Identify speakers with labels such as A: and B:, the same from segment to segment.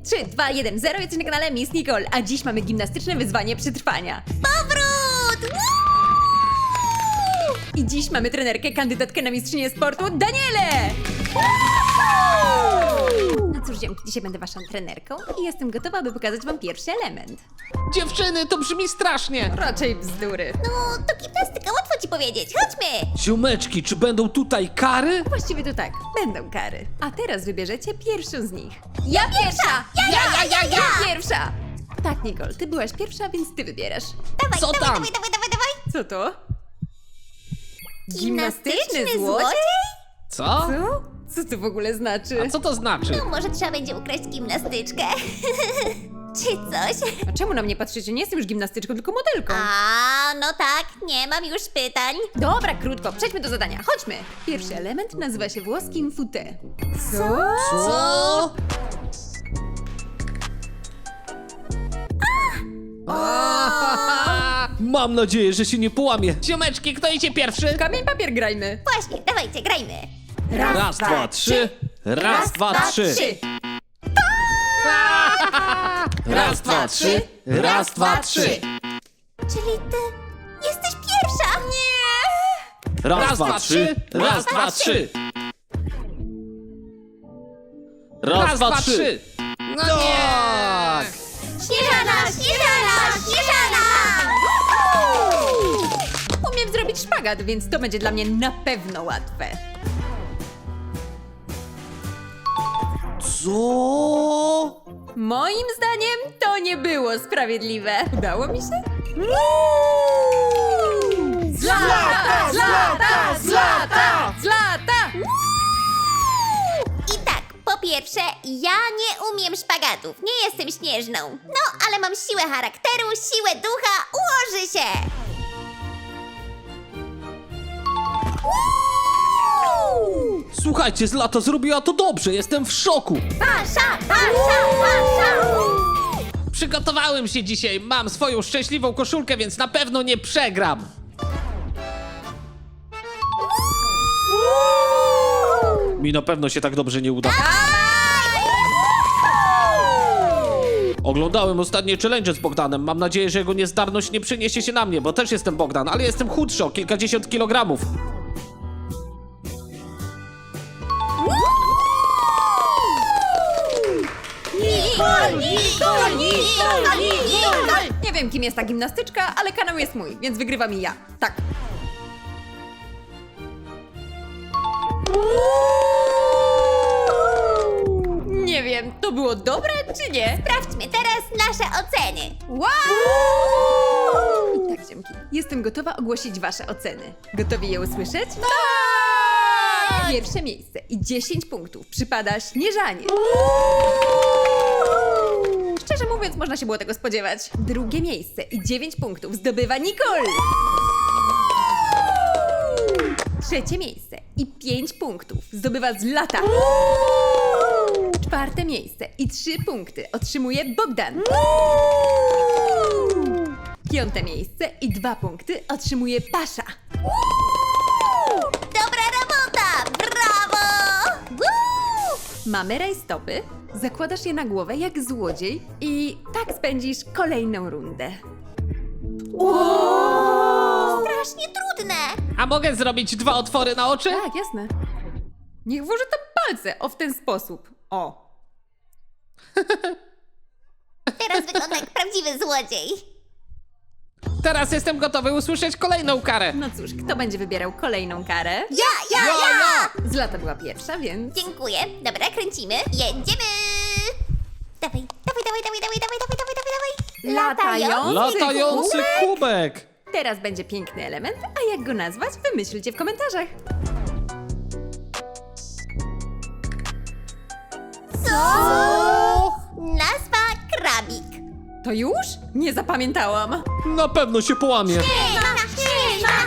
A: 3, 2, 1, 0, jesteś na kanale Miss Nicole, a dziś mamy gimnastyczne wyzwanie przetrwania.
B: Powrót! Woo!
A: I dziś mamy trenerkę, kandydatkę na mistrzynię sportu, Danielę! No cóż, ziomki, dzisiaj będę waszą trenerką i jestem gotowa, by pokazać wam pierwszy element.
C: Dziewczyny, to brzmi strasznie!
A: Raczej bzdury.
B: No, to gimnastyka, łatwo ci powiedzieć. Chodźmy!
C: Ziomeczki, czy będą tutaj kary?
A: Właściwie to tak, będą kary. A teraz wybierzecie pierwszą z nich.
B: Ja pierwsza! Ja!
A: Pierwsza! Tak, Nicole, ty byłaś pierwsza, więc ty wybierasz.
B: Dawaj,
C: Co
B: dawaj,
C: tam?
B: dawaj!
A: Co to?
B: Gimnastyczny złodziej?
C: Co?
A: Co? Co to w ogóle znaczy?
C: A co to znaczy?
B: No, może trzeba będzie ukraść gimnastyczkę. Czy coś?
A: A czemu na mnie patrzycie? Nie jestem już gimnastyczką, tylko modelką.
B: A, no tak, nie mam już pytań.
A: Dobra, krótko, przejdźmy do zadania. Chodźmy. Pierwszy element nazywa się włoskim fouté. Co?
C: Co? Mam nadzieję, że się nie połamie. Ziomeczki, kto idzie pierwszy?
A: Kamień, papier grajmy.
B: Właśnie, dawajcie, grajmy.
C: Raz, dwa, trzy. Raz, dwa, trzy. Raz, dwa, trzy. Raz, dwa, trzy.
B: Czyli ty jesteś pierwsza? Nie!
C: Raz, dwa, trzy. Raz, dwa, trzy. Raz, dwa, trzy. No tak!
B: Śnieżana!
A: Umiem zrobić szpagat, więc to będzie dla mnie na pewno łatwe.
C: Co?
A: Moim zdaniem to nie było sprawiedliwe. Udało mi się? Zlata!
B: I tak, po pierwsze, ja nie umiem szpagatów, nie jestem śnieżną. No, ale mam siłę charakteru, siłę ducha, ułoży się!
C: Słuchajcie, Zlata zrobiła to dobrze, jestem w szoku.
B: Pasza!
C: Przygotowałem się dzisiaj, mam swoją szczęśliwą koszulkę, więc na pewno nie przegram. Mi na pewno się tak dobrze nie uda. Oglądałem ostatnie challenge z Bogdanem. Mam nadzieję, że jego niezdarność nie przeniesie się na mnie, bo też jestem Bogdan, ale jestem chudszy o kilkadziesiąt kilogramów.
A: Nicole! Nie wiem, kim jest ta gimnastyczka, ale kanał jest mój, więc wygrywam i ja. Tak. Nie wiem, to było dobre czy nie?
B: Sprawdźmy teraz nasze oceny.
A: Wow! I tak, ziomki, jestem gotowa ogłosić wasze oceny. Gotowi je usłyszeć? Tak! Pierwsze miejsce i 10 punktów przypada Śnieżanie. Szczerze mówiąc, można się było tego spodziewać. Drugie miejsce i 9 punktów zdobywa Nicole. Trzecie miejsce i 5 punktów zdobywa Zlata. Czwarte miejsce i 3 punkty otrzymuje Bogdan. Piąte miejsce i 2 punkty otrzymuje Pasza.
B: Dobra robota! Brawo! Woo!
A: Mamy rajstopy, zakładasz je na głowę jak złodziej i tak spędzisz kolejną rundę.
B: Strasznie trudne!
C: A mogę zrobić 2 otwory na oczy?
A: Tak, jasne. Niech włoży tam palce, o w ten sposób. O.
B: Teraz wygląda jak prawdziwy złodziej.
C: Teraz jestem gotowy usłyszeć kolejną karę.
A: No cóż, kto będzie wybierał kolejną karę?
B: Ja!
A: Zlata była pierwsza, więc...
B: Dziękuję. Dobra, kręcimy. Jedziemy! Dawaj.
C: Latający kubek.
A: Teraz będzie piękny element, a jak go nazwać, wymyślcie w komentarzach.
B: Co? Nazwa krabik.
A: To już? Nie zapamiętałam.
C: Na pewno się połamie.
B: Śnieżna!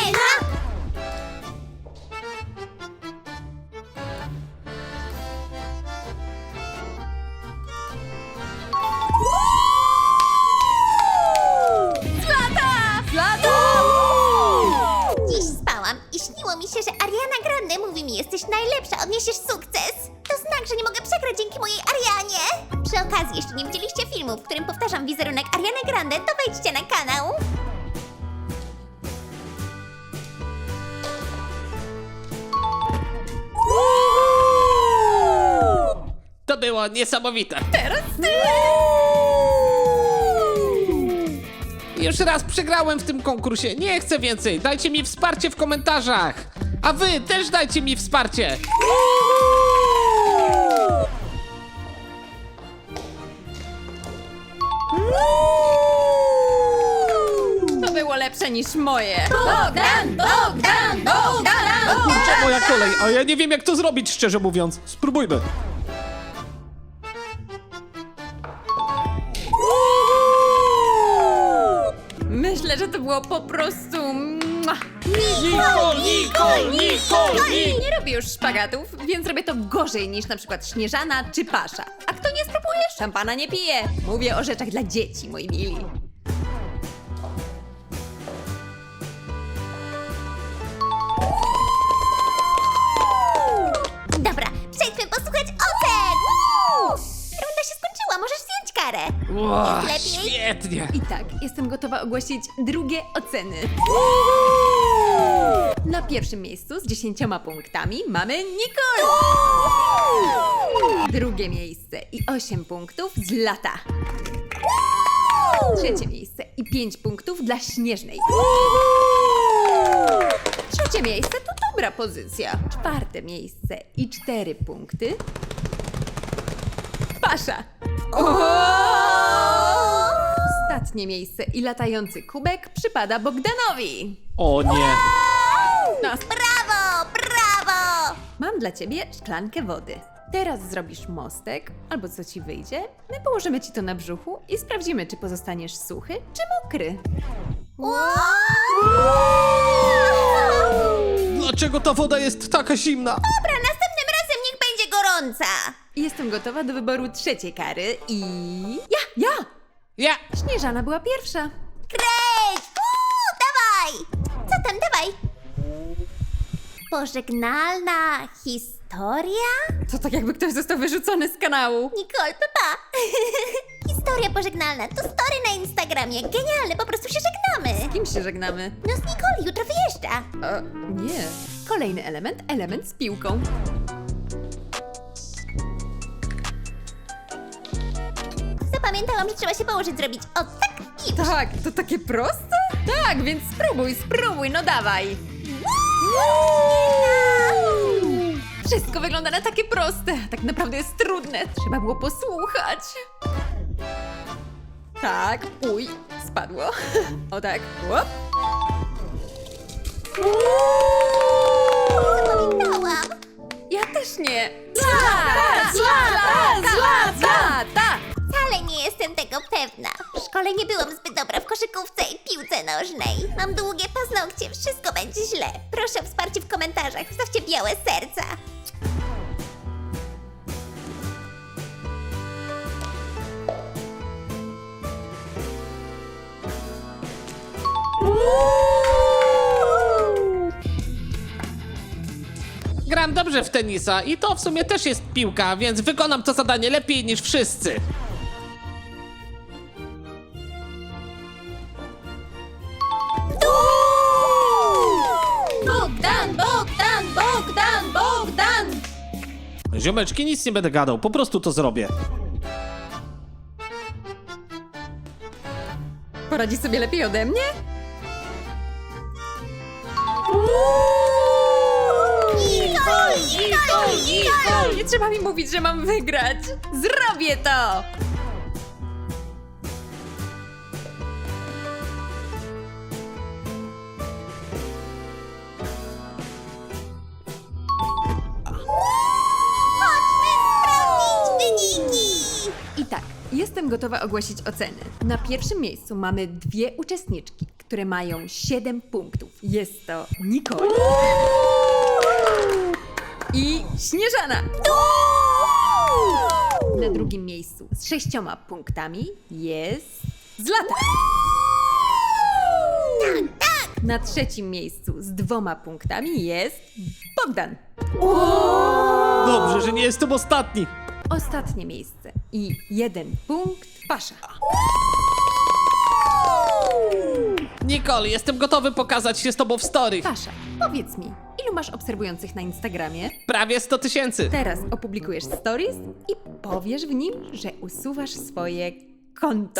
A: Zlata!
B: Dziś spałam i śniło mi się, że Ariana Grande mówi mi: jesteś najlepsza, odniesiesz sukces. To znak, że nie mogę przegrać dzięki mojej Arianie. Przy okazji jeszcze nie widzieliście filmu, w którym powtarzam wizerunek Ariany Grande, to wejdźcie na kanał.
C: To było niesamowite.
A: Teraz ty!
C: Już raz przegrałem w tym konkursie, nie chcę więcej. Dajcie mi wsparcie w komentarzach. A wy też dajcie mi wsparcie.
A: To było lepsze niż moje.
B: Bogdan!
C: Kurczę, moja kolej, a ja nie wiem jak to zrobić, szczerze mówiąc. Spróbujmy.
A: Myślę, że to było po prostu...
C: Nicole!
A: Nie robię już szpagatów, więc robię to gorzej niż na przykład Śnieżana czy Pasza. A kto nie spróbuje, szampana nie pije. Mówię o rzeczach dla dzieci, moi mili.
B: Dobra, przejdźmy posłuchać ocen! Woo! Runda się skończyła, możesz zdjąć karę.
C: Ło,
B: Lepiej?
C: świetnie.
A: I tak, jestem gotowa ogłosić drugie oceny. Na pierwszym miejscu z 10 punktami mamy Nicole. Drugie miejsce i 8 punktów z Lata. Trzecie miejsce i 5 punktów dla Śnieżnej. Trzecie miejsce to dobra pozycja. Czwarte miejsce i 4 punkty. Pasza. Ostatnie miejsce i latający kubek przypada Bogdanowi.
C: O nie.
A: Nas.
B: Brawo, brawo!
A: Mam dla ciebie szklankę wody. Teraz zrobisz mostek, albo co ci wyjdzie. My położymy ci to na brzuchu i sprawdzimy, czy pozostaniesz suchy, czy mokry.
C: Dlaczego ta woda jest taka zimna?
B: Dobra, następnym razem niech będzie gorąca.
A: Jestem gotowa do wyboru trzeciej kary i... Ja!
C: Ja.
A: Śnieżana była pierwsza.
B: Kreć! Dawaj! Co tam, dawaj? Pożegnalna historia?
A: To tak jakby ktoś został wyrzucony z kanału.
B: Nicole, papa! Historia pożegnalna, to story na Instagramie. Genialne, po prostu się żegnamy.
A: Z kim się żegnamy?
B: No z Nicole, jutro wyjeżdża.
A: Nie. Kolejny element z piłką.
B: Zapamiętałam, że trzeba się położyć, zrobić o tak i już.
A: Tak, to takie proste? Tak, więc spróbuj, no dawaj. Wszystko wygląda na takie proste, a tak naprawdę jest trudne. Trzeba było posłuchać. Tak, uj, spadło. O tak, łop.
B: Zapamiętałam.
A: Ja też nie. Zlata!
B: Wcale nie jestem tego pewna. W szkole nie byłam zbyt dobra w koszykówce i piłce nożnej. Mam długie paznokcie, wszystko będzie źle. Proszę o wsparcie w komentarzach, wstawcie białe serca.
C: Gram dobrze w tenisa i to w sumie też jest piłka, więc wykonam to zadanie lepiej niż wszyscy.
A: Bogdan!
C: Ziomeczki, nic nie będę gadał, po prostu to zrobię.
A: Poradzi sobie lepiej ode mnie?
B: Nicole!
A: Nie trzeba mi mówić, że mam wygrać. Zrobię to!
B: Wyniki!
A: I tak, jestem gotowa ogłosić oceny. Na pierwszym miejscu mamy dwie uczestniczki, które mają 7 punktów. Jest to Nicole i Śnieżana. Na drugim miejscu z 6 punktami jest Zlata. Na trzecim miejscu z 2 punktami jest Bogdan.
C: Dobrze, że nie jestem ostatni.
A: Ostatnie miejsce I 1 punkt Pasza.
C: Nicole, jestem gotowy pokazać się z tobą w story.
A: Pasza, powiedz mi, ilu masz obserwujących na Instagramie?
C: Prawie 100 000.
A: Teraz opublikujesz stories i powiesz w nim, że usuwasz swoje konto.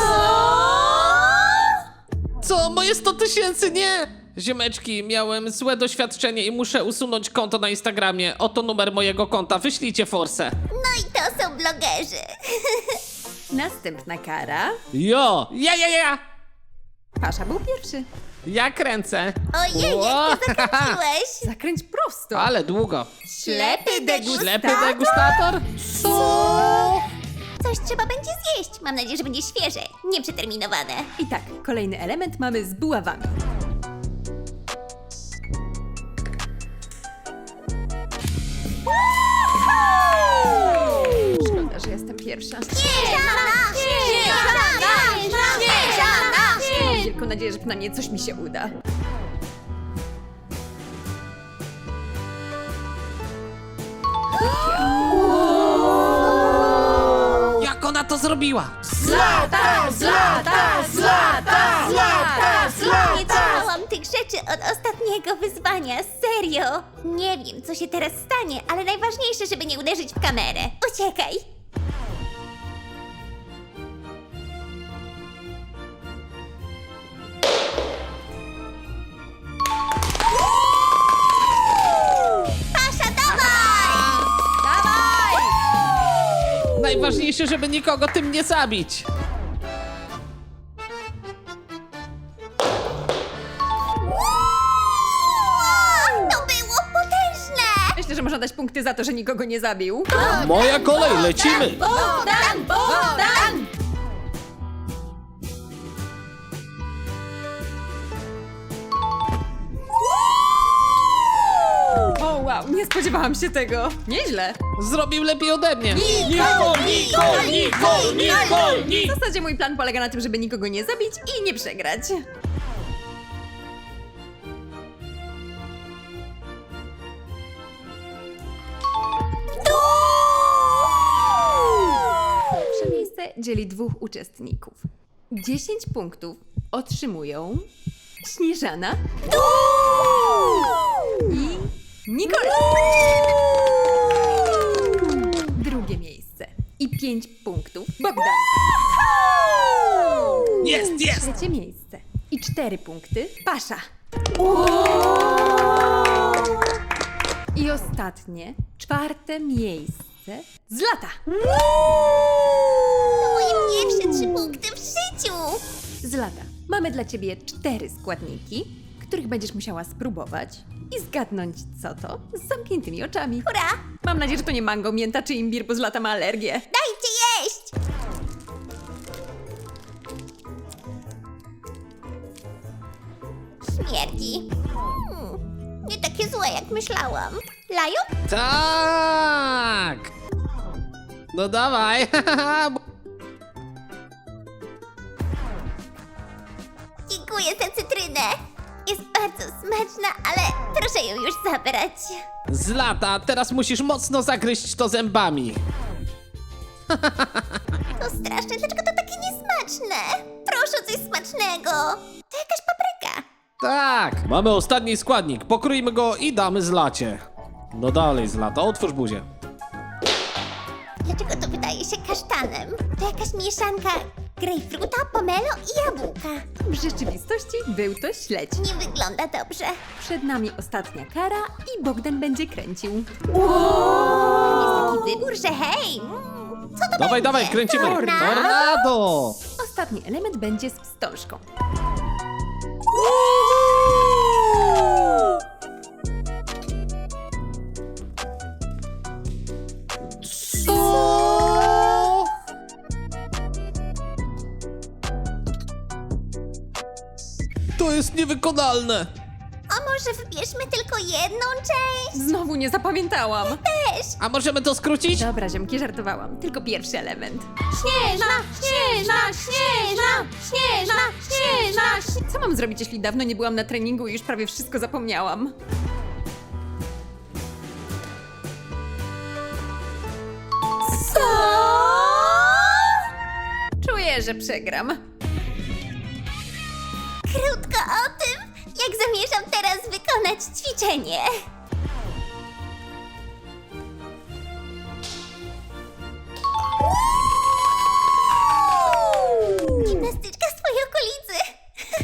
C: Co? Moje 100 000? Nie! Ziomeczki, miałem złe doświadczenie i muszę usunąć konto na Instagramie. Oto numer mojego konta, wyślijcie forsę.
B: No i to są blogerzy.
A: Następna kara.
C: Jo! Ja!
A: Pasza był pierwszy.
C: Ja kręcę.
B: Ojej, jak ty zakręciłeś.
A: Zakręć prosto.
C: Ale długo.
A: Ślepy degustator.
C: Ślepy degustator? Co?
B: Coś trzeba będzie zjeść. Mam nadzieję, że będzie świeże, nieprzeterminowane.
A: I tak, kolejny element mamy z buławami. Szkoda, że jestem pierwsza.
B: Śnieżana! Śnieżana! Śnieżana!
A: Mam wielką nadzieję, że przynajmniej coś mi się uda.
C: Jak ona to zrobiła?
A: Zlata!
B: Nie czytałam tych rzeczy od ostatniego wyzwania, serio. Nie wiem, co się teraz stanie, ale najważniejsze, żeby nie uderzyć w kamerę. Uciekaj! Pasza, dawaj!
C: Najważniejsze, żeby nikogo tym nie zabić.
B: To było potężne!
A: Myślę, że można dać punkty za to, że nikogo nie zabił.
C: Moja kolej, lecimy!
B: Bogdan!
A: O wow, nie spodziewałam się tego. Nieźle.
C: Zrobił lepiej ode mnie.
A: W zasadzie mój plan polega na tym, żeby nikogo nie zabić i nie przegrać. Pierwsze miejsce dzieli 2 uczestników. 10 punktów otrzymują Śnieżana i Nicole. Drugie miejsce i 5 punktów Bogdan.
C: Jest!
A: Trzecie miejsce i 4 punkty Pasza. I ostatnie, 4 miejsce Zlata.
B: Moje pierwsze 3 punkty w życiu!
A: Zlata, mamy dla ciebie 4 składniki, których będziesz musiała spróbować i zgadnąć co to z zamkniętymi oczami.
B: Hurra!
A: Mam nadzieję, że to nie mango, mięta czy imbir, bo Zlata ma alergię.
B: Dajcie jeść! Śmierdzi. Nie takie złe, jak myślałam. Laju?
C: Tak! No dawaj!
B: Dziękuję za cytrynę. Jest bardzo smaczna, ale proszę ją już zabrać.
C: Zlata, teraz musisz mocno zagryźć to zębami.
B: To straszne, dlaczego to takie niesmaczne? Proszę o coś smacznego. To jakaś papryka.
C: Tak! Mamy ostatni składnik, pokrójmy go i damy Zlacie. No dalej Zlata, otwórz buzię.
B: Dlaczego to wydaje się kasztanem? To jakaś mieszanka grejpfruta, pomelo i jabłka.
A: W rzeczywistości był to śledź.
B: Nie wygląda dobrze.
A: Przed nami ostatnia kara i Bogdan będzie kręcił.
B: Jest taki wybór, że hej! Co to
C: Dawaj,
B: będzie?
C: dawaj, kręcimy!
B: Tornado?
C: Tornado!
A: Ostatni element będzie z wstążką.
C: Co? To jest niewykonalne!
B: A może wybierzmy tylko jedną część?
A: Znowu nie zapamiętałam.
B: Też!
C: A możemy to skrócić?
A: Dobra, ziomki, żartowałam. Tylko pierwszy element.
B: Śnieżna, śnieżna, śnieżna, śnieżna, śnieżna.
A: Co mam zrobić, jeśli dawno nie byłam na treningu i już prawie wszystko zapomniałam?
B: Co?
A: Czuję, że przegram.
B: Krótko o tym, jak zamierzam teraz wykonać ćwiczenie. Gimnastyczka z twojej okolicy.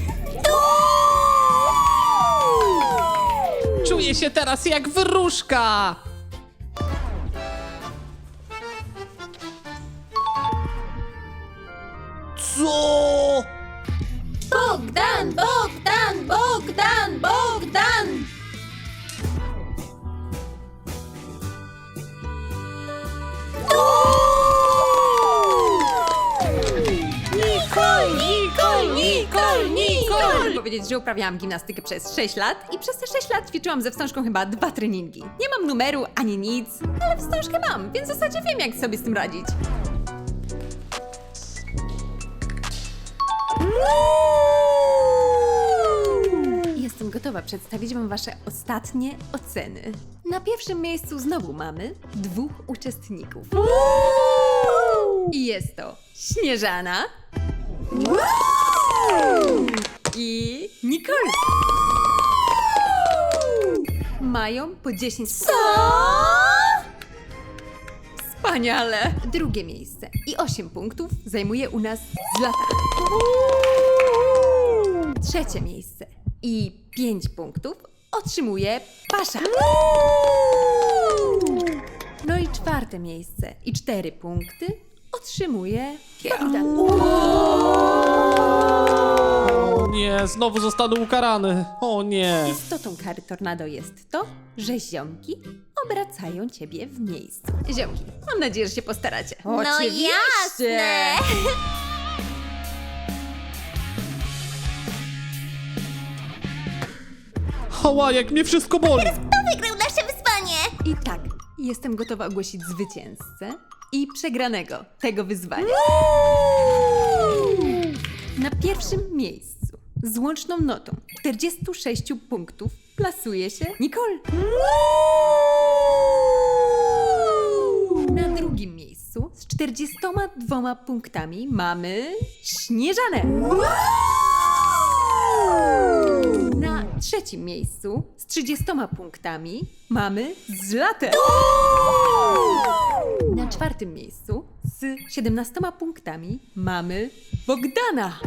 C: Czuję się teraz jak wróżka! Co?
A: Bogdan, Bogdan, Bogdan, Bogdan! Nicole, Nicole, Nicole, Nicole! Chcę powiedzieć, że uprawiałam gimnastykę przez 6 lat i przez te 6 lat ćwiczyłam ze wstążką chyba 2 treningi. Nie mam numeru ani nic, ale wstążkę mam, więc w zasadzie wiem, jak sobie z tym radzić. Jestem gotowa przedstawić wam wasze ostatnie oceny. Na pierwszym miejscu znowu mamy 2 uczestników. I jest to Śnieżana i Nicole. Mają po 10 punktów. Wspaniale! Drugie miejsce i 8 punktów zajmuje u nas Zlata. Trzecie miejsce i 5 punktów otrzymuje Pasza. No i czwarte miejsce i 4 punkty otrzymuje Bogdan.
C: O nie, znowu zostanę ukarany. O nie.
A: Istotą kary tornado jest to, że ziomki obracają ciebie w miejscu. Ziomki, mam nadzieję, że się postaracie.
B: No jasne.
C: Hała, jak mnie wszystko boli.
B: Kto wygrał nasze wyzwanie?
A: I tak, jestem gotowa ogłosić zwycięzcę i przegranego tego wyzwania. Na pierwszym miejscu z łączną notą 46 punktów plasuje się Nicole. Na drugim miejscu z 42 punktami mamy Śnieżanę. Na trzecim miejscu z 30 punktami mamy Zlatę. Na czwartym miejscu z 17 punktami mamy Bogdana.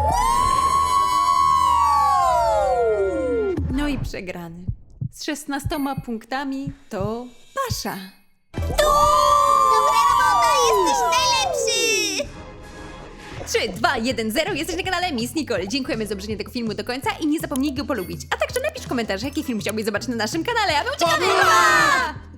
A: No i przegrany z 16 punktami to Pasza.
B: Dobra robota, jesteś najlepszy!
A: 3, 2, 1, 0. Jesteś na kanale Miss Nicole. Dziękujemy za obejrzenie tego filmu do końca i nie zapomnij go polubić. A także napisz komentarz, jaki film chciałbyś zobaczyć na naszym kanale, a my uciekamy! Pa!